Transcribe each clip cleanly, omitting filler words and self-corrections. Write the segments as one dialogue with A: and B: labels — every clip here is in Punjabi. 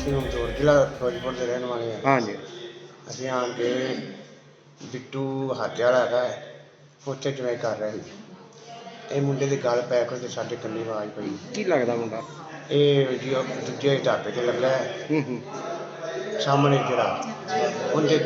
A: ਅਸੀਂ ਹੁਣ ਦੌਰ ਜ਼ਿਲ੍ਹਾ ਫਿਰੋਜ਼ਪੁਰ ਦੇ ਰਹਿਣ ਵਾਲੇ ਹਾਂ।
B: ਹਾਂਜੀ।
A: ਅਸੀਂ ਆਣ ਕੇ ਬਿੱਟੂ ਹਾਤੇ ਵਾਲਾ ਹੈਗਾ ਉੱਥੇ ਜਵਾਈ ਕਰ ਰਹੇ ਸੀ। ਇਹ ਮੁੰਡੇ ਦੀ ਗੱਲ ਪੈ ਕੇ ਤੇ ਸਾਡੇ ਕੰਨੀ ਆਵਾਜ਼ ਪਈ।
B: ਕੀ ਲੱਗਦਾ ਮੁੰਡਾ?
A: ਇਹ ਜੀ ਉਹ ਦੂਜੇ ਢਾਬੇ ਤੇ ਲੱਗਾ ਹੈ
B: ਹੂੰ।
A: ਸਾਹਮਣੇ ਜਿਹੜਾ ਉਹਦੇ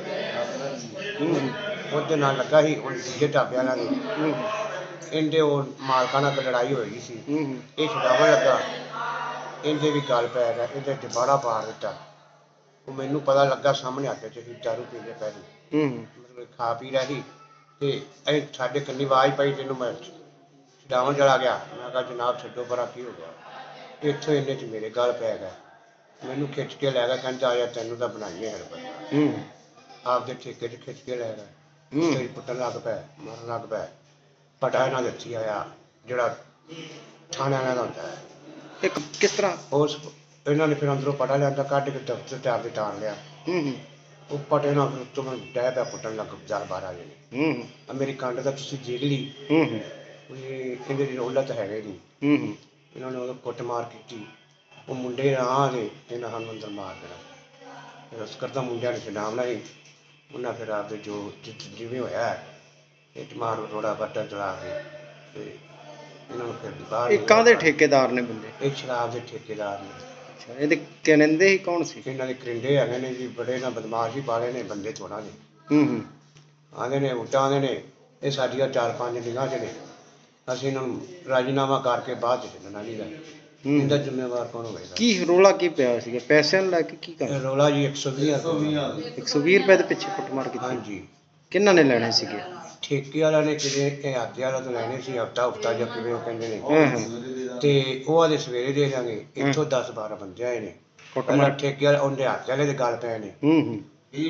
B: ਹੂੰ।
A: ਉਹਦੇ ਨਾਲ ਲੱਗਾ ਸੀ ਉਹ ਦੂਜੇ ਢਾਬੇ ਵਾਲਿਆਂ ਦੇ।
B: ਹੂੰ।
A: ਇਹਦੇ ਉਹ ਮਾਲਕਾਂ ਨਾਲ ਲੜਾਈ ਹੋਈ ਸੀ।
B: ਹੂੰ।
A: ਇਹ ਛਡਾਵਣ ਲੱਗਾ, ਇਹਦੇ ਵੀ ਗੱਲ ਪੈ ਗਿਆ, ਇਹਦੇ ਚਪਾੜਾ ਪਾੜ ਦਿੱਤਾ। ਉਹ ਮੈਨੂੰ ਪਤਾ ਲੱਗਾ ਸਾਹਮਣੇ ਆ ਕੇ ਅਸੀਂ ਦਾਰੂ ਪੀਂਦੇ ਪਏ ਸੀ।
B: ਹੂੰ।
A: ਮਤਲਬ ਖਾ ਪੀ ਰਿਹਾ ਸੀ ਤੇ ਇਹ ਸਾਡੇ ਕੰਨੀ ਆਵਾਜ਼ ਪਈ ਤੈਨੂੰ ਮੈਂ ਛਡਾਵਣ ਚਲਾ ਗਿਆ। ਮੈਂ ਕਿਹਾ ਜਨਾਬ ਛੱਡੋ ਪਰਾਂ, ਕੀ ਹੋ ਗਿਆ? ਇੱਥੋਂ ਇੰਨੇ 'ਚ ਮੇਰੇ ਗੱਲ ਪੈ ਗਿਆ, ਮੈਨੂੰ ਖਿੱਚ ਕੇ ਲੈ ਗਿਆ, ਕਹਿੰਦਾ ਆ ਜਾ ਤੈਨੂੰ ਤਾਂ ਬਣਾਈਏ ਹਰਬਤ।
B: ਹੂੰ।
A: ਆਪਦੇ ਠੇਕੇ 'ਚ ਖਿੱਚ ਕੇ ਲੈ ਗਿਆ,
B: ਹੂੰ।
A: ਉੱਥੇ ਹੀ ਪੁੱਟਣ ਲੱਗ ਪਿਆ, ਮਾਰਨ ਲੱਗ ਪਿਆ। ਪਟਾ ਇਹਨਾਂ ਦੇ ਹੱਥੀਂ ਆਇਆ ਜਿਹੜਾ ਥਾਣੇ ਵਾਲਿਆਂ ਦਾ ਹੁੰਦਾ ਹੈ।
B: ਇੱਕ ਕਿਸ ਤਰ੍ਹਾਂ?
A: ਉਸ ਇਹਨਾਂ ਨੇ ਫਿਰ ਅੰਦਰੋਂ ਪਟਾ ਲਿਆਂਦਾ, ਕੱਢ ਕੇ ਦਫ਼ਤਰ ਤੇ ਆਪਦੇ ਟਾਲ ਲਿਆ।
B: ਹੂੰ।
A: ਉਹ ਪਟੇ ਨਾਲ ਫਿਰ ਉੱਤੋਂ ਮੈਨੂੰ ਡਹਿ ਪਿਆ ਪੁੱਟਣ ਲੱਗ 10-12 ਜਣੇ।
B: ਹੂੰ।
A: ਆ ਮੇਰੀ ਕੰਡ ਦਾ ਤੁਸੀਂ ਦੇਖ ਲਈ,
B: ਹੂੰ।
A: ਇਹ ਕਹਿੰਦੇ ਦੀ ਰੌਲਤ ਹੈਗੇ ਨਹੀਂ।
B: ਹੂੰ।
A: ਇਹਨਾਂ ਨੇ ਉਦੋਂ ਕੁੱਟਮਾਰ ਕੀਤੀ। ਉਹ ਮੁੰਡੇ ਆ ਗਏ, ਇਹਨਾਂ ਸਾਨੂੰ ਅੰਦਰ ਮਾਰ ਦੇਣਾ। ਫਿਰ ਉਸ ਕਰਦਾ ਮੁੰਡਿਆਂ ਨੇ ਛਡਾਵਣਾ ਸੀ, ਉਹਨਾਂ ਫਿਰ ਆਪਦੇ ਜੋ ਜਿਵੇਂ ਹੋਇਆ ਇੱਟ ਮਾਰ ਰੋੜਾ ਬੱਟਾ ਚਲਾ ਕੇ ਤੇ ਇਹਨਾਂ ਨੂੰ ਫਿਰ ਬਾਹਰ
B: ਇਹ ਕਾਹਦੇ ਠੇਕੇਦਾਰ ਨੇ ਬੰਦੇ?
A: ਇਹ ਸ਼ਰਾਬ ਦੇ ਠੇਕੇਦਾਰ ਨੇ।
B: ਅੱਛਾ, ਇਹਦੇ ਕਹਿੰਦੇ ਸੀ ਕੌਣ ਸੀ?
A: ਇਹਨਾਂ ਦੇ ਕਰਿੰਦੇ ਹੈਗੇ ਨੇ ਜੀ, ਬੜੇ ਨਾ ਬਦਮਾਸ਼ ਹੀ ਪਾਲੇ ਨੇ, ਬੰਦੇ ਥੋੜ੍ਹਾ ਨੇ।
B: ਹੂੰ।
A: ਆਉਂਦੇ ਨੇ ਉੱਟਾਂ ਆਉਂਦੇ ਨੇ, ਇਹ ਸਾਡੀਆਂ 4-5 ਨਿਗਾਹ 'ਚ ਨੇ। ਅਸੀਂ ਇਹਨਾਂ ਨੂੰ ਰਾਜੀਨਾਮਾ ਕਰਕੇ ਬਾਅਦ 'ਚ ਚੱਲਣਾ ਨਹੀਂ ਗਾ। ਇਹਦਾ ਜ਼ਿੰਮੇਵਾਰ ਕੌਣ ਹੋਵੇਗਾ?
B: ਕੀ ਰੌਲਾ ਕੀ ਪਿਆ ਸੀਗਾ? ਪੈਸਿਆਂ ਨੂੰ ਲੈ ਕੇ ਕੀ ਕਰ?
A: ਰੌਲਾ ਜੀ 120 ਰੁਪਏ।
B: 120 ਰੁਪਏ ਦੇ ਪਿੱਛੇ ਕੁੱਟਮਾਰ ਕੀਤੀ?
A: ਹਾਂਜੀ।
B: ਕਿਹਨਾਂ ਨੇ ਲੈਣੇ ਸੀਗੇ?
A: ਠੇਕੇ ਵਾਲਿਆਂ ਨੇ ਕਿਤੇ ਇਹ ਹਾਤੇ ਵਾਲਾ ਤੋਂ ਲੈਣੇ ਸੀ, ਹਫਤਾ ਜਾਂ ਕਿਵੇਂ ਉਹ ਕਹਿੰਦੇ ਨੇ।
B: ਹਾਂ।
A: ਤੇ ਉਹ ਆਦੇ ਸਵੇਰੇ ਦੇ ਦਾਂਗੇ। ਇੱਥੋਂ 10-12 ਬੰਦੇ ਆਏ ਨੇ।
B: ਕੁੱਟਮਾਰ?
A: ਠੇਕੇ ਵਾਲੇ ਉਹਦੇ ਹਾਤੇ ਵਾਲੇ ਦੇ ਗੱਲ ਪਏ ਨੇ।
B: ਹੂੰ।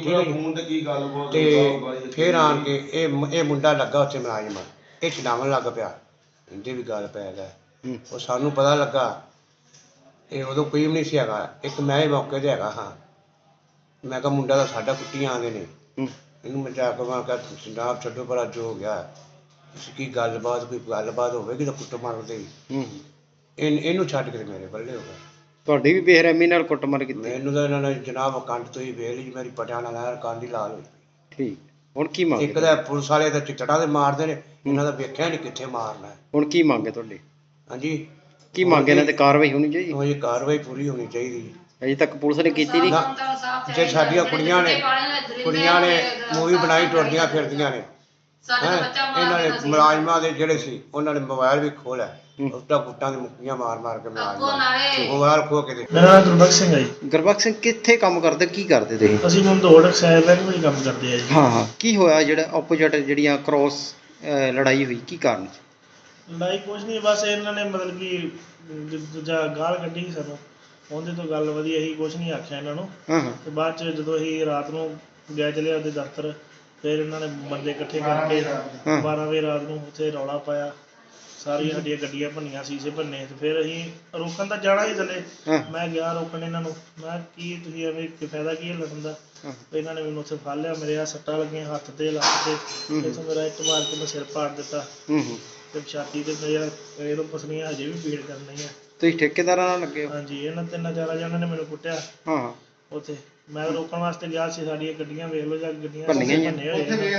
A: ਤੇ ਫਿਰ ਆਣ ਕੇ ਇਹ ਮੁੰਡਾ ਲੱਗਾ ਉੱਥੇ ਮੁਲਾਜ਼ਮ, ਇਹ ਛਡਾਵਣ ਲੱਗ ਪਿਆ, ਇਹਦੇ ਵੀ ਗੱਲ ਪੈ ਗਿਆ। ਉਹ ਸਾਨੂੰ ਪਤਾ ਲੱਗਾ, ਇਹ ਉਦੋਂ ਕੋਈ ਵੀ ਨਹੀਂ ਸੀ ਹੈਗਾ, ਇੱਕ ਮੈਂ ਹੀ ਮੌਕੇ 'ਤੇ ਹੈਗਾ ਹਾਂ। ਮੈਂ ਕਿਹਾ ਮੁੰਡਾ ਤਾਂ ਸਾਡਾ ਕੁੱਟੀਆਂ ਆਉਂਦੇ ਨੇ, ਇਹਨੂੰ ਮੈਂ ਜਾ ਕੇ ਮੈਂ ਕਿਹਾ ਜਨਾਬ ਛੱਡੋ ਪਰਾਂ, ਜੋ ਹੋ ਗਿਆ ਤੁਸੀਂ ਕੀ ਕੋਈ ਗੱਲਬਾਤ ਹੋਵੇਗੀ ਤਾਂ ਕੁੱਟ ਮਾਰਦੇ ਹੀ। ਇਹਨੂੰ ਛੱਡ ਕੇ ਮੇਰੇ ਬੱਲੇ ਹੋ ਗਿਆ।
B: ਤੁਹਾਡੀ ਵੀ ਬੇਰਹਿਮੀ ਨਾਲ ਕੁੱਟਮਾਰ ਕੀਤੀ?
A: ਮੈਨੂੰ ਤਾਂ ਇਹਨਾਂ ਨੇ ਜਨਾਬ ਕੰਡ ਤੋਂ ਹੀ ਵੇਖ ਲਈ, ਮੇਰੀ ਪਟਿਆਂ ਨਾਲ ਕੰਧ ਹੀ ਲਾਲ ਹੋਈ।
B: ਠੀਕ। ਹੁਣ ਕੀ ਮੰਗ?
A: ਇੱਕ ਤਾਂ ਪੁਲਿਸ ਵਾਲੇ ਤਾਂ ਚਿੱਟੜਾਂ ਦੇ ਮਾਰਦੇ ਨੇ, ਇਹਨਾਂ ਦਾ ਵੇਖਿਆ ਨਹੀਂ ਕਿੱਥੇ ਮਾਰਨਾ।
B: ਹੁਣ ਕੀ ਮੰਗ ਹੈ ਤੁਹਾਡੀ?
A: ਹਾਂਜੀ,
B: ਕੀ ਮੰਗ? ਇਹਨਾਂ ਤੇ ਕਾਰਵਾਈ ਹੋਣੀ ਚਾਹੀਦੀ?
A: ਉਹ ਇਹ ਕਾਰਵਾਈ ਪੂਰੀ ਹੋਣੀ ਚਾਹੀਦੀ।
B: ਅਜੇ ਤੱਕ ਪੁਲਿਸ ਨੇ ਕੀਤੀ ਨਹੀਂ?
A: ਜੇ ਸਾਡੀਆਂ ਕੁੜੀਆਂ ਨੇ ਮੂਵੀ ਬਣਾਈ ਟੁਰਦੀਆਂ ਫਿਰਦੀਆਂ ਨੇ, ਇਹਨਾਂ ਨੇ ਮੁਲਾਜ਼ਮਾਂ ਦੇ ਜਿਹੜੇ ਸੀ ਉਹਨਾਂ ਨੇ ਮੋਬਾਈਲ ਵੀ ਖੋਲਿਆ, ਉੱਟਾਂ ਗੁੱਟਾਂ ਦੀ ਮੁੱਕੀਆਂ ਮਾਰ ਕੇ ਮੋਬਾਈਲ ਖੋਹ ਕੇ।
C: ਮੇਰਾ ਨਾਮ ਗੁਰਬਖਸ਼ ਸਿੰਘ ਹੈ ਜੀ।
B: ਗੁਰਬਖਸ਼ ਸਿੰਘ ਕਿੱਥੇ ਕੰਮ ਕਰਦੇ, ਕੀ ਕਰਦੇ ਤੁਸੀਂ?
C: ਅਸੀਂ ਮੰਦੋੜ ਸ਼ਹਿਰ ਬੈਂਕ ਵਿੱਚ ਕੰਮ ਕਰਦੇ ਆ ਜੀ।
B: ਹਾਂ। ਕੀ ਹੋਇਆ ਜਿਹੜਾ ਆਪੋਜੀਟ ਜਿਹੜੀਆਂ ਕ੍ਰੋਸ ਲੜਾਈ ਹੋਈ, ਕੀ ਕਾਰਨ ਸੀ?
C: ਲੜਾਈ ਕੁਛ ਨਹੀਂ, ਬਸ ਇਹਨਾਂ ਨੇ ਮਤਲਬ ਕਿ ਦੂਜਾ ਗਾਲ ਕੱਢੀ ਸੀ ਸਾਨੂੰ, ਉਹਦੇ ਤੋਂ ਗੱਲ ਵਧੀਆ ਸੀ, ਕੁਛ ਨਹੀਂ ਆਖਿਆ ਇਹਨਾਂ ਨੂੰ। ਤੇ ਬਾਅਦ 'ਚ ਜਦੋਂ ਅਸੀਂ ਰਾਤ ਨੂੰ ਗਏ ਚਲੇ ਉਹਦੇ ਦਫ਼ਤਰ, ਫਿਰ ਇਹਨਾਂ ਨੇ ਬੰਦੇ ਇਕੱਠੇ ਕਰਕੇ 12 ਵਜੇ ਰਾਤ ਨੂੰ ਉੱਥੇ ਰੌਲਾ ਪਾਇਆ, ਸਾਰੀਆਂ ਸਾਡੀਆਂ ਗੱਡੀਆਂ ਭੰਨੀਆਂ, ਸ਼ੀਸ਼ੇ ਭੰਨੇ। ਤੇ ਫਿਰ ਅਸੀਂ ਰੋਕਣ ਤਾਂ ਜਾਣਾ ਹੀ ਥੱਲੇ, ਮੈਂ ਗਿਆ ਰੋਕਣ ਇਹਨਾਂ ਨੂੰ, ਮੈਂ ਕੀ ਤੁਸੀਂ ਐਵੇਂ ਫਾਇਦਾ ਕੀ ਹੈ ਲੜਨ ਦਾ? ਇਹਨਾਂ ਨੇ ਮੈਨੂੰ ਉੱਥੇ ਫੜ ਲਿਆ, ਮੇਰੇ ਆ ਸੱਟਾਂ ਲੱਗੀਆਂ ਹੱਥ ਤੇ, ਲੱਕ ਤੇ, ਇੱਥੋਂ ਮੇਰਾ ਇੱਟ ਮਾਰ ਕੇ ਮੈਂ ਸਿਰ ਪਾੜ ਦਿੱਤਾ ਤੇ ਛਾਤੀ ਤੇ ਮੇਰਾ ਇਹਦੋਂ ਪਸਲੀਆਂ ਹਜੇ ਵੀ ਪੀੜ ਕਰਨ ਰਹੀਆਂ।
B: ਤੁਸੀਂ ਠੇਕੇਦਾਰਾਂ ਨਾਲ ਲੱਗੇ ਹੋ?
C: ਹਾਂਜੀ, ਇਹਨਾਂ 3-4 ਜਣਿਆਂ ਨੇ ਮੈਨੂੰ ਕੁੱਟਿਆ ਉੱਥੇ। ਮੈਂ ਰੋਕਣ ਵਾਸਤੇ ਗਿਆ ਸੀ, ਸਾਡੀਆਂ ਗੱਡੀਆਂ ਵੇਖ ਲਓ ਜਾਂ ਗੱਡੀਆਂ ਭੰਨੇ ਹੋਏ।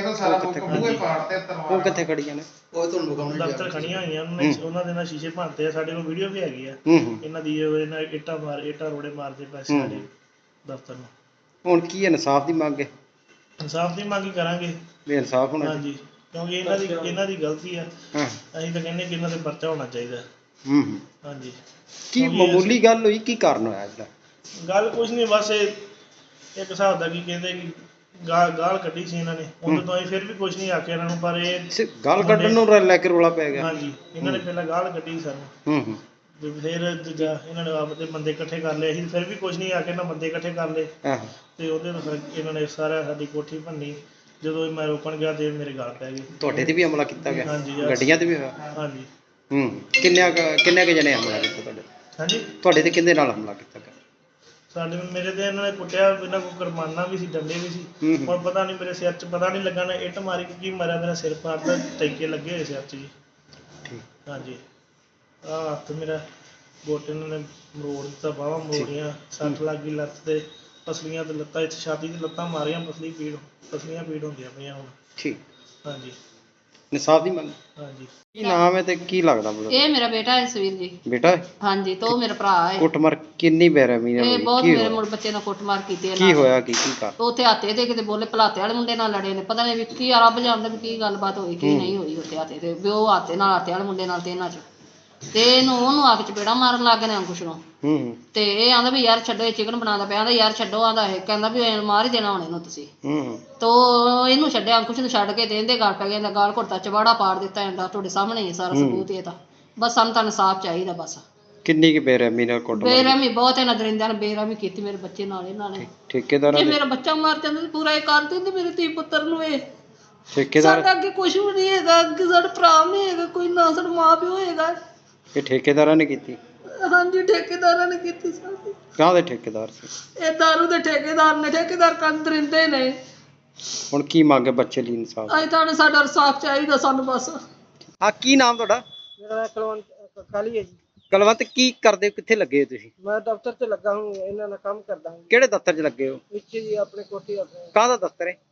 B: ਉਹ ਕਿੱਥੇ ਖੜੀਆਂ ਨੇ?
C: ਦਫ਼ਤਰ ਖੜੀਆਂ ਹੋਈਆਂ, ਉਹਨਾਂ ਦੇ ਨਾਲ ਸ਼ੀਸ਼ੇ ਭੰਨਤੇ ਆ, ਸਾਡੇ ਕੋਲ ਵੀਡੀਓ ਵੀ ਹੈਗੀ ਆ ਇਹਨਾਂ ਦੀ। ਇਹਨਾਂ ਇੱਟਾਂ ਰੋੜੇ ਮਾਰਦੇ ਪਏ ਸੀ ਸਾਡੇ ਦਫ਼ਤਰ ਨੂੰ।
B: ਹੁਣ ਕੀ ਇਨਸਾਫ ਦੀ ਮੰਗ ਹੈ?
C: ਇਨਸਾਫ ਦੀ ਮੰਗ ਕਰਾਂਗੇ
B: ਵੀ ਇਨਸਾਫ ਹੋਣਾ?
C: ਹਾਂਜੀ, ਕਿਉਂਕਿ ਇਹਨਾਂ ਦੀ ਗਲਤੀ ਆ। ਅਸੀਂ ਤਾਂ ਕਹਿੰਦੇ ਕਿ ਇਹਨਾਂ 'ਤੇ ਪਰਚਾ ਹੋਣਾ ਚਾਹੀਦਾ। ਹਾਂਜੀ।
B: ਕੀ ਮਾਮੂਲੀ ਗੱਲ ਹੋਈ, ਕੀ ਕਾਰਨ ਹੋਇਆ ਇਹਦਾ?
C: ਗੱਲ ਕੁਛ ਨਹੀਂ, ਬਸ ਇੱਕ ਹਿਸਾਬ ਦਾ ਕੀ ਕਹਿੰਦੇ ਕਿ ਗਾਲ ਕੱਢੀ ਸੀ ਇਹਨਾਂ ਨੇ, ਉਦੋਂ ਤੋਂ ਅਸੀਂ ਫਿਰ ਵੀ ਕੁਛ ਨਹੀਂ ਆਖਿਆ ਇਹਨਾਂ ਨੂੰ। ਪਰ ਇਹ
B: ਗਾਲ ਕੱਢਣ ਨੂੰ ਲੈ ਕੇ ਰੌਲਾ ਪੈ ਗਿਆ?
C: ਹਾਂਜੀ, ਇਹਨਾਂ ਨੇ ਪਹਿਲਾਂ ਗਾਲ ਕੱਢੀ ਸਾਨੂੰ, ਤੇ ਫਿਰ ਦੂਜਾ ਇਹਨਾਂ ਨੇ ਆਪਦੇ ਬੰਦੇ ਇਕੱਠੇ ਕਰ ਲਏ। ਅਸੀਂ ਫਿਰ ਵੀ ਕੁਛ ਨਹੀਂ ਆਖਿਆ, ਇਹਨਾਂ ਬੰਦੇ ਇਕੱਠੇ ਕਰ ਲਏ ਤੇ ਉਹਦੇ ਤੋਂ ਫਿਰ ਇਹਨਾਂ ਨੇ ਸਾਰਾ ਸਾਡੀ ਕੋਠੀ ਭੰਨੀ। ਜਦੋਂ ਮੈਂ ਰੋਕਣ ਗਿਆ ਤੇ ਮੇਰੇ ਗਾਲ ਪੈ ਗਏ।
B: ਤੁਹਾਡੇ ਤੇ ਵੀ ਹਮਲਾ ਕੀਤਾ ਗਿਆ?
C: ਹਾਂਜੀ।
B: ਗੱਡੀਆਂ ਤੇ ਵੀ ਹੋਇਆ?
C: ਹਾਂਜੀ।
B: ਕਿੰਨੇ ਕੁ ਜਣੇ ਹਮਲਾ ਕੀਤਾ ਤੁਹਾਡੇ?
C: ਹਾਂਜੀ।
B: ਤੁਹਾਡੇ ਤੇ ਕਿਹਦੇ ਨਾਲ ਹਮਲਾ ਕੀਤਾ ਗਿਆ?
C: ਮੇਰੇ ਤੇ ਇਹਨਾਂ ਨੇ ਕੁੱਟਿਆ, ਇਹਨਾਂ ਕੋਲ ਕੁਰਬਾਨਾ ਵੀ ਸੀ, ਡੰਡੇ ਵੀ ਸੀ। ਹੁਣ ਪਤਾ ਨਹੀਂ ਮੇਰੇ ਸਿਰ 'ਚ ਪਤਾ ਨਹੀਂ ਲੱਗਾ ਨਾ ਇੱਟ ਮਾਰੀ ਕੀ ਮਾਰਿਆ, ਮੇਰਾ ਸਿਰ ਪਾੜਦਾ, ਟੈਂਕੇ ਲੱਗੇ ਹੋਏ ਸਿਰ 'ਚ ਜੀ। ਹਾਂਜੀ, ਆਹ ਹੱਥ ਮੇਰਾ ਗੁੱਟ ਇਹਨਾਂ ਨੇ ਮਰੋੜ ਦਿੱਤਾ, ਬਾਹਾਂ ਮਰੋੜੀਆਂ, ਸੱਟ ਲੱਗ ਗਈ ਲੱਤ ਤੇ, ਪਸਲੀਆਂ ਤੇ ਲੱਤਾਂ, ਇੱਥੇ ਛਾਤੀ 'ਚ ਲੱਤਾਂ ਮਾਰੀਆਂ, ਪਸਲੀਆਂ ਪੀੜ ਹੁੰਦੀਆਂ ਪਈਆਂ ਹੁਣ।
B: ਠੀਕ।
C: ਹਾਂਜੀ
B: ਇਨਸਾਫ ਦੀ ਮੰਗ।
C: ਹਾਂਜੀ।
B: ਕੀ ਨਾਮ ਹੈ ਤੇ ਕੀ ਲੱਗਦਾ ਮਤਲਬ?
D: ਇਹ ਮੇਰਾ ਬੇਟਾ ਹੈ ਸਵੀਰ ਜੀ।
B: ਬੇਟਾ ਹੈ?
D: ਹਾਂਜੀ, ਤੇ ਉਹ ਮੇਰਾ ਭਰਾ ਹੈ।
B: ਕੁੱਟਮਾਰ ਕਿੰਨੀ ਬੇਰਹਿਮੀ ਨਾਲ
D: ਇਹ
B: ਹੋਈ?
D: ਬਹੁਤ
B: ਕੀ
D: ਮੇਰੇ
B: ਹੋਇਆ?
D: ਮੁੰਡੇ ਬੱਚੇ ਨਾਲ ਕੁੱਟਮਾਰ ਕੀਤੀ ਇਹਨਾਂ
B: ਕੀ
D: ਨੇ।
B: ਹੋਇਆ ਕੀ ਕਰ?
D: ਉਹ ਉੱਥੇ ਹਾਤੇ ਦੇ ਕਿਤੇ ਬੋਲੇ ਭਲਾਤੇ ਵਾਲੇ ਮੁੰਡੇ ਨਾਲ ਲੜੇ ਨੇ, ਪਤਾ ਨਹੀਂ ਵੀ ਕੀ ਰੱਬ ਜਾਣਦਾ ਵੀ ਕੀ ਗੱਲਬਾਤ ਹੋਈ ਕੀ ਨਹੀਂ ਹੋਈ ਉੱਥੇ ਹਾਤੇ ਤੇ, ਵੀ ਉਹ ਹਾਤੇ ਵਾਲੇ ਮੁੰਡੇ ਨਾਲ ਤੇ ਇਹਨਾਂ 'ਚ, ਤੇ ਉਹਨੂੰ ਆ ਕੇ ਚਪੇੜਾ ਮਾਰਨ ਲੱਗ ਗਏ ਨੇ ਅੰਕੁਸ਼ ਨੂੰ। ਤੇ ਇਹ ਆਂਦਾ ਵੀ ਯਾਰ ਛੱਡੋ, ਇਹ ਚਿਕਨ ਬਣਾਉਂਦਾ ਪਿਆ, ਆਂਦਾ ਯਾਰ ਛੱਡੋ, ਆਂਦਾ ਇਹ ਕਹਿੰਦਾ ਵੀ ਮਾਰ ਹੀ ਦੇਣਾ ਹੁਣ ਇਹਨੂੰ ਤੁਸੀਂ। ਤੋ ਇਹਨੂੰ ਛੱਡਿਆ, ਅੰਕੁਸ਼ ਨੂੰ ਛੱਡ ਕੇ ਤੇ ਇਹਦੇ ਗਾਲ ਪੈ ਗਿਆ, ਗਾਲ ਘੁੱਟਦਾ, ਚਵਾੜਾ ਪਾੜ ਦਿੱਤਾ ਇਹਦਾ, ਤੁਹਾਡੇ ਸਾਹਮਣੇ ਹੀ ਸਾਰਾ ਸਬੂਤ ਇਹ ਤਾਂ। ਬਸ ਸਾਨੂੰ ਤਾਂ ਇਨਸਾਫ ਚਾਹੀਦਾ ਬਸ।
B: ਕਿੰਨੀ ਕੁ ਬੇਰਹਿਮੀ ਨਾਲ ਕੁੱਟਮਾਰ?
D: ਬੇਰਹਿਮੀ ਬਹੁਤ ਇਹਨਾਂ ਦਰਿੰਦਿਆਂ ਨੇ ਬੇਰਹਿਮੀ ਕੀਤੀ ਮੇਰੇ ਬੱਚੇ ਨਾਲ ਇਹਨਾਂ ਨੇ।
B: ਠੇਕੇਦਾਰਾਂ
D: ਜੇ
B: ਦੇ?
D: ਮੇਰਾ ਬੱਚਾ ਮਰ ਜਾਂਦਾ ਤਾਂ ਪੂਰਾ ਇਹ ਕਰ ਦਿੰਦੇ ਮੇਰੇ ਧੀ ਪੁੱਤਰ ਨੂੰ। ਇਹ
B: ਠੇਕੇਦਾਰ?
D: ਸਾਡਾ ਅੱਗੇ ਕੁਝ ਵੀ ਨਹੀਂ ਹੈਗਾ, ਅੱਗੇ ਸਾਡਾ ਭਰਾ ਨਹੀਂ ਹੈਗਾ ਕੋਈ, ਨਾ ਸਾਡਾ ਮਾਂ ਪਿਓ ਹੈਗਾ।
B: ਇਹ ਠੇਕੇਦਾਰਾਂ ਨੇ ਕੀਤੀ?
D: ਹਾਂਜੀ, ਠੇਕੇਦਾਰਾਂ ਨੇ ਕੀਤੀ ਸਾਡੀ।
B: ਕਾਹਦੇ ਠੇਕੇਦਾਰ ਸੀ?
D: ਇਹ ਦਾਰੂ ਦੇ ਠੇਕੇਦਾਰ ਨੇ, ਠੇਕੇਦਾਰ ਕੰਨ ਦਰਿੰਦੇ ਨੇ।
B: ਹੁਣ ਕੀ ਮੰਗ ਹੈ ਬੱਚੇ ਲਈ? ਇਨਸਾਫ।
D: ਅਸੀਂ ਤਾਂ ਸਾਡਾ ਇਨਸਾਫ ਚਾਹੀਦਾ ਸਾਨੂੰ ਬਸ।
B: ਆ ਕੀ ਨਾਮ ਤੁਹਾਡਾ?
E: ਮੇਰਾ ਨਾਮ ਕੁਲਵੰਤ ਕਾਲੀ ਹੈ ਜੀ।
B: ਕੁਲਵੰਤ, ਕੀ ਕਰਦੇ ਹੋ? ਕਿੱਥੇ ਲੱਗੇ ਹੋ ਤੁਸੀਂ?
E: ਮੈਂ ਦਫ਼ਤਰ 'ਚ ਲੱਗਾ ਹੂੰ, ਇਹਨਾਂ ਨਾਲ ਕੰਮ ਕਰਦਾ ਹੂੰ।
B: ਕਿਹੜੇ ਦਫ਼ਤਰ 'ਚ ਲੱਗੇ ਹੋ?
E: ਇੱਥੇ ਜੀ ਆਪਣੇ ਕੋਠੀ ਆਪਣੇ
B: ਕਾਹਦਾ ਦਫ਼ਤਰ ਹੈ?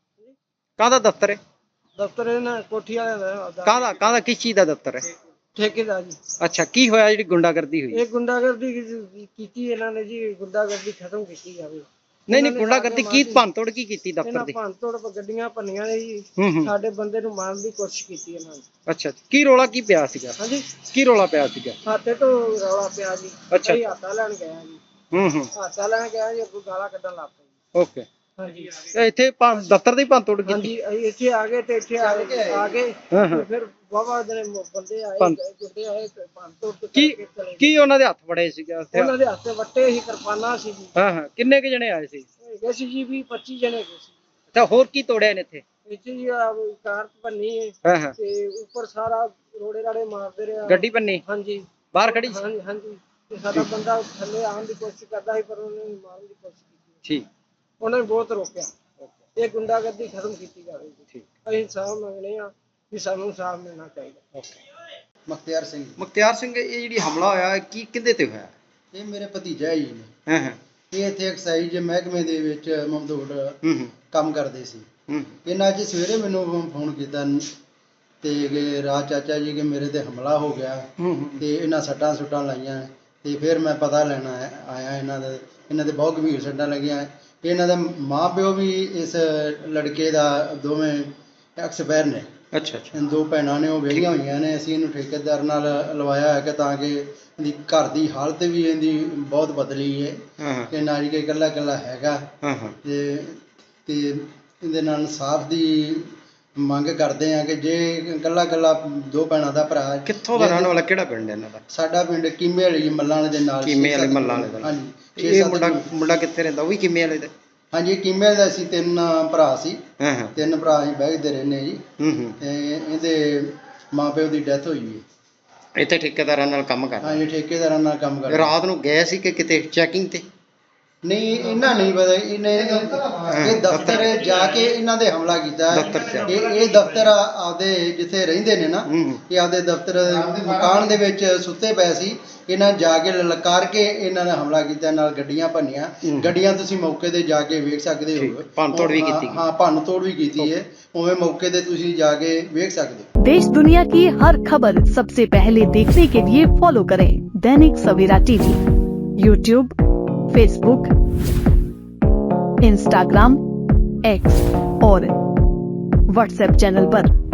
B: ਕਾਹਦਾ ਦਫ਼ਤਰ ਹੈ?
E: ਦਫ਼ਤਰ ਇਹਨਾਂ ਕੋਠੀ ਵਾਲਿਆਂ ਦਾ
B: ਕਾਹਦਾ ਕਿਸ ਚੀਜ਼ ਦਾ ਦਫ਼ਤਰ ਹੈ?
E: ਠੇਕੇਦਾਰ ਜੀ।
B: ਅੱਛਾ, ਕੀ ਹੋਇਆ ਜਿਹੜੀ ਗੁੰਡਾਗਰਦੀ ਹੋਈ?
E: ਇਹ ਗੁੰਡਾਗਰਦੀ ਕੀਤੀ ਇਹਨਾਂ ਨੇ ਜੀ, ਗੁੰਡਾਗਰਦੀ ਖਤਮ ਕੀਤੀ ਜਾਵੇ।
B: ਨਹੀਂ ਗੁੰਡਾਗਰਦੀ ਕੀ ਭੰਨਤੋੜ ਕੀ ਕੀਤੀ ਦਫ਼ਤਰ
E: ਇਹਨਾਂ
B: ਦੀ?
E: ਭੰਨਤੋੜ ਗੱਡੀਆਂ ਭੰਨੀਆਂ ਨੇ ਜੀ, ਸਾਡੇ ਬੰਦੇ ਨੂੰ ਮਾਰਨ ਦੀ ਕੋਸ਼ਿਸ਼ ਕੀਤੀ ਇਹਨਾਂ ਨੇ।
B: ਅੱਛਾ, ਕੀ ਰੋਲਾ ਕੀ ਪਿਆ ਸੀਗਾ?
E: ਹਾਂਜੀ,
B: ਕੀ ਰੋਲਾ ਪਿਆ ਸੀਗਾ?
E: ਹਾਤੇ ਤੋਂ ਰੌਲਾ ਪਿਆ ਜੀ।
B: ਅੱਛਾ।
E: ਅਸੀਂ ਹਾਤਾ ਲੈਣ ਗਿਆ ਜੀ। ਹਾਤਾ ਲੈਣ ਗਿਆ ਜੀ, ਅੱਗੋਂ ਗਾਲਾਂ ਕੱਢਣ ਲੱਗ ਪਏ।
B: ਓਕੇ।
E: ਹਾਂਜੀ,
B: ਇੱਥੇ ਦਫ਼ਤਰ ਦੀ ਭੰਨਤੋੜ ਕੀਤੀ?
E: ਹਾਂਜੀ, ਅਸੀਂ ਇੱਥੇ ਆ ਗਏ ਤੇ ਇੱਥੇ ਆ ਕੇ ਫਿਰ ਬਾਬਾ ਦੇ ਬੰਦੇ ਆਏ, ਗੁੱਡੇ ਆਏ, ਭੰਨਤੋੜ
B: ਕੀ ਉਹਨਾਂ ਦੇ ਹੱਥ ਫੜੇ ਸੀਗੇ?
E: ਉਹਨਾਂ ਦੇ ਹੱਥ ਵੱਟੇ ਸੀ, ਕਿਰਪਾਨਾਂ ਸੀ ਜੀ।
B: ਕਿੰਨੇ ਕੁ ਜਣੇ ਆਏ ਸੀ?
E: ਹੈਗੇ ਸੀ ਜੀ 20-25 ਜਣੇ ਹੈਗੇ ਸੀ।
B: ਤਾਂ ਹੋਰ ਕੀ ਤੋੜਿਆ ਨੇ ਇੱਥੇ?
E: ਇੱਥੇ ਜੀ ਕਾਰ ਭੰਨੀ ਹੈ ਤੇ ਉੱਪਰ ਸਾਰਾ ਰੋੜੇ ਰਾੜੇ ਮਾਰਦੇ ਰਿਹਾ।
B: ਗੱਡੀ ਭੰਨੀ?
E: ਹਾਂਜੀ,
B: ਬਾਹਰ ਖੜੀ ਸੀ?
E: ਹਾਂਜੀ ਹਾਂਜੀ। ਤੇ ਸਾਡਾ ਬੰਦਾ ਥੱਲੇ ਆਉਣ ਦੀ ਕੋਸ਼ਿਸ਼ ਕਰਦਾ ਸੀ, ਪਰ ਉਹਨੇ ਮਾਰਨ ਦੀ ਕੋਸ਼ਿਸ਼ ਕੀਤੀ।
B: ਠੀਕ।
E: ਉਹਨਾਂ ਨੇ ਬਹੁਤ ਰੋਕਿਆ। ਇਹ ਗੁੰਡਾਗਰਦੀ ਖਤਮ ਕੀਤੀ ਜਾਵੇ ਜੀ।
B: ਠੀਕ।
E: ਅਸੀਂ ਇਨਸਾਫ ਮੰਗਦੇ ਹਾਂ ਵੀ ਸਾਨੂੰ ਇਨਸਾਫ ਮਿਲਣਾ ਚਾਹੀਦਾ।
F: ਮੁਖਤਿਆਰ ਸਿੰਘ।
B: ਮੁਖਤਿਆਰ ਸਿੰਘ, ਇਹ ਜਿਹੜੀ ਹਮਲਾ ਹੋਇਆ ਕੀ ਕਿਹਦੇ ਤੇ ਹੋਇਆ?
F: ਇਹ ਮੇਰੇ ਭਤੀਜਾ ਜੀ ਨੇ। ਇਹ ਇੱਥੇ ਐਕਸਾਈਜ਼ ਮਹਿਕਮੇ ਦੇ ਵਿੱਚ ਮਮਦੋੜ ਕੰਮ ਕਰਦੇ ਸੀ। ਇਹਨਾਂ ਅੱਜ ਸਵੇਰੇ ਮੈਨੂੰ ਫੋਨ ਕੀਤਾ ਤੇ ਰਾਜ ਚਾਚਾ ਜੀ ਕਿ ਮੇਰੇ ਤੇ ਹਮਲਾ ਹੋ ਗਿਆ ਤੇ ਇਹਨਾਂ ਸੱਟਾਂ ਸੁੱਟਾਂ ਲਾਈਆਂ। ਤੇ ਫਿਰ ਮੈਂ ਪਤਾ ਲੈਣਾ ਆਇਆ ਇਹਨਾਂ ਦੇ ਬਹੁਤ ਗੰਭੀਰ ਸੱਟਾਂ ਲੱਗੀਆਂ। ਇਹਨਾਂ ਦਾ ਮਾਂ ਪਿਓ ਵੀ ਇਸ ਲੜਕੇ ਦਾ ਦੋਵੇਂ ਐਕਸਪਾਇਰ ਨੇ।
B: ਅੱਛਾ।
F: ਦੋ ਭੈਣਾਂ ਨੇ, ਉਹ ਵਿਆਹੀਆਂ ਹੋਈਆਂ ਨੇ। ਅਸੀਂ ਇਹਨੂੰ ਠੇਕੇਦਾਰ ਨਾਲ ਲਵਾਇਆ ਹੈ ਕਿ ਤਾਂ ਕਿ ਇਹਦੀ ਘਰ ਦੀ ਹਾਲਤ ਵੀ ਇਹਦੀ ਬਹੁਤ ਬਦਲੀ ਹੈ ਕਿ ਨਾਰੀ ਕੇ ਇਕੱਲਾ ਇਕੱਲਾ ਹੈਗਾ ਤੇ ਇਹਦੇ ਨਾਲ ਇਨਸਾਫ ਦੀ ਮੰਗ ਕਰਦੇ ਆ ਕਿ ਜੇ ਇਕੱਲਾ ਇਕੱਲਾ ਦੋ ਭੈਣਾਂ ਦਾ ਭਰਾ।
B: ਕਿੱਥੋਂ ਦਾ ਰਹਿਣ ਵਾਲਾ? ਕਿਹੜਾ ਪਿੰਡ ਹੈ ਇਹਨਾਂ ਦਾ?
F: ਸਾਡਾ ਪਿੰਡ ਕੀਮੇ ਵਾਲੀ ਮੱਲਾਂ ਵਾਲੇ ਦੇ ਨਾਲ।
B: ਕੀਮੇ ਵਾਲੀ ਮੱਲਾਂ ਵਾਲੇ ਦਾ?
F: ਹਾਂਜੀ।
B: ਇਹ ਮੁੰਡਾ ਕਿੱਥੇ ਰਹਿੰਦਾ? ਉਹ ਵੀ ਕੀਮੇ ਵਾਲੇ ਦਾ?
F: ਹਾਂਜੀ, ਕੀਮੇ ਦਾ। ਅਸੀਂ 3 ਭਰਾ ਸੀ। 3 ਭਰਾ ਅਸੀਂ ਬਹਿਦੇ ਰਹਿੰਦੇ ਜੀ। ਤੇ ਇਹਦੇ ਮਾਂ ਪਿਓ ਦੀ ਡੈਥ ਹੋਈ ਹੈ।
B: ਇੱਥੇ ਠੇਕੇਦਾਰਾਂ ਨਾਲ ਕੰਮ ਕਰਦਾ?
F: ਹਾਂਜੀ, ਠੇਕੇਦਾਰਾਂ ਨਾਲ ਕੰਮ ਕਰਦਾ।
B: ਰਾਤ ਨੂੰ ਗਏ ਸੀ ਕਿ ਕਿਤੇ ਚੈਕਿੰਗ ਤੇ?
F: ਨਹੀਂ, ਇਹਨਾਂ ਨਹੀਂ ਪਤਾ। ਇਹ ਦਫ਼ਤਰ ਜਾ ਕੇ ਇਹਨਾਂ ਦੇ ਹਮਲਾ ਕੀਤਾ। ਇਹ ਦਫ਼ਤਰ ਆਪਦੇ ਜਿੱਥੇ ਰਹਿੰਦੇ ਨੇ ਨਾ, ਇਹ ਆਪਦੇ ਦਫ਼ਤਰ ਮਕਾਨ ਦੇ ਵਿੱਚ ਸੁੱਤੇ ਪਏ ਸੀ। ਇਹਨਾਂ ਜਾ ਕੇ ਲਲਕਾਰ ਕੇ ਇਹਨਾਂ ਨੇ ਹਮਲਾ ਕੀਤਾ, ਨਾਲ ਗੱਡੀਆਂ ਭੰਨੀਆਂ। ਗੱਡੀਆਂ ਤੁਸੀਂ ਮੌਕੇ ਤੇ ਜਾ ਕੇ ਵੇਖ ਸਕਦੇ ਹੋ।
B: ਭੰਨਤੋੜ ਵੀ ਕੀਤੀ?
F: ਹਾਂ, ਭੰਨਤੋੜ ਵੀ ਕੀਤੀ ਹੈ। ਉਵੇਂ ਮੌਕੇ ਤੇ ਤੁਸੀਂ ਜਾ ਕੇ ਵੇਖ ਸਕਦੇ ਹੋ।
G: देश दुनिया की हर खबर सबसे पहले देखने के लिए फॉलो करें Dainik Savera TV, YouTube, Facebook, Instagram, X और व्हाट्सएप चैनल पर।